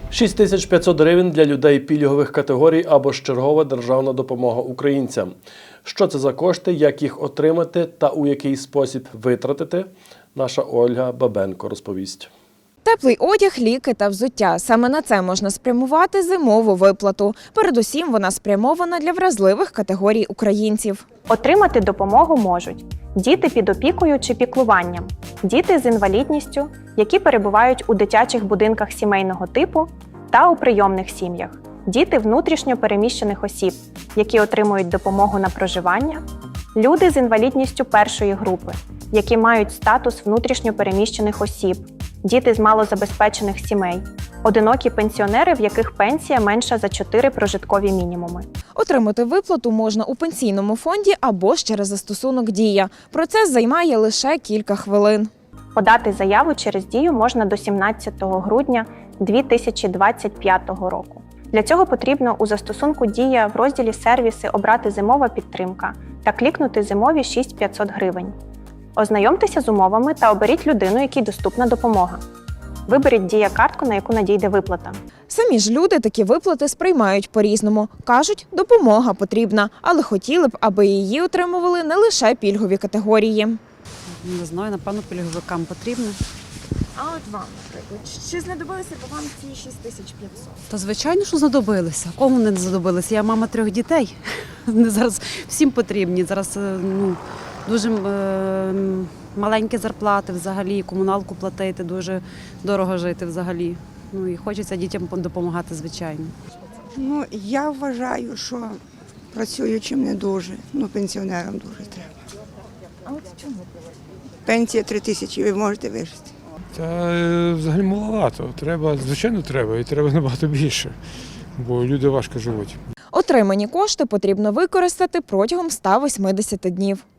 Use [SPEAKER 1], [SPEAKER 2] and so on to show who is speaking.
[SPEAKER 1] 6500 гривень для людей пільгових категорій або ж чергова державна допомога українцям. Що це за кошти, як їх отримати та у який спосіб витратити, наша Ольга Бабенко розповість.
[SPEAKER 2] Теплий одяг, ліки та взуття. Саме на це можна спрямувати зимову виплату. Передусім, вона спрямована для вразливих категорій українців.
[SPEAKER 3] Отримати допомогу можуть діти під опікою чи піклуванням, діти з інвалідністю, які перебувають у дитячих будинках сімейного типу та у прийомних сім'ях, діти внутрішньо переміщених осіб, які отримують допомогу на проживання, люди з інвалідністю першої групи, які мають статус внутрішньо переміщених осіб, діти з малозабезпечених сімей, одинокі пенсіонери, в яких пенсія менша за 4 прожиткові мінімуми.
[SPEAKER 2] Отримати виплату можна у пенсійному фонді або ж через застосунок «Дія». Процес займає лише кілька хвилин.
[SPEAKER 3] Подати заяву через «Дію» можна до 17 грудня 2025 року. Для цього потрібно у застосунку «Дія» в розділі «Сервіси» обрати «Зимова підтримка» та клікнути «Зимові 6500 гривень». Ознайомтеся з умовами та оберіть людину, якій доступна допомога. Виберіть «Дія-картку», на яку надійде виплата.
[SPEAKER 2] Самі ж люди такі виплати сприймають по-різному. Кажуть, допомога потрібна, але хотіли б, аби її отримували не лише пільгові категорії.
[SPEAKER 4] Не знаю, напевно, пільговикам потрібно.
[SPEAKER 2] А от вам, наприклад, чи знадобилися б вам ці 6500?
[SPEAKER 4] Та звичайно, що знадобилися. Кому не знадобилися? Я мама 3 дітей. Вони зараз всім потрібні. Зараз дуже маленькі зарплати взагалі, комуналку платити, дуже дорого жити взагалі. І хочеться дітям допомагати, звичайно.
[SPEAKER 5] Я вважаю, що працюючим не дуже, пенсіонерам дуже треба.
[SPEAKER 2] А от чому?
[SPEAKER 5] Пенсія 3000, ви можете вижити.
[SPEAKER 6] Та взагалі маловато. Звичайно, треба, і треба набагато більше, бо люди важко живуть.
[SPEAKER 2] Отримані кошти потрібно використати протягом 180 днів.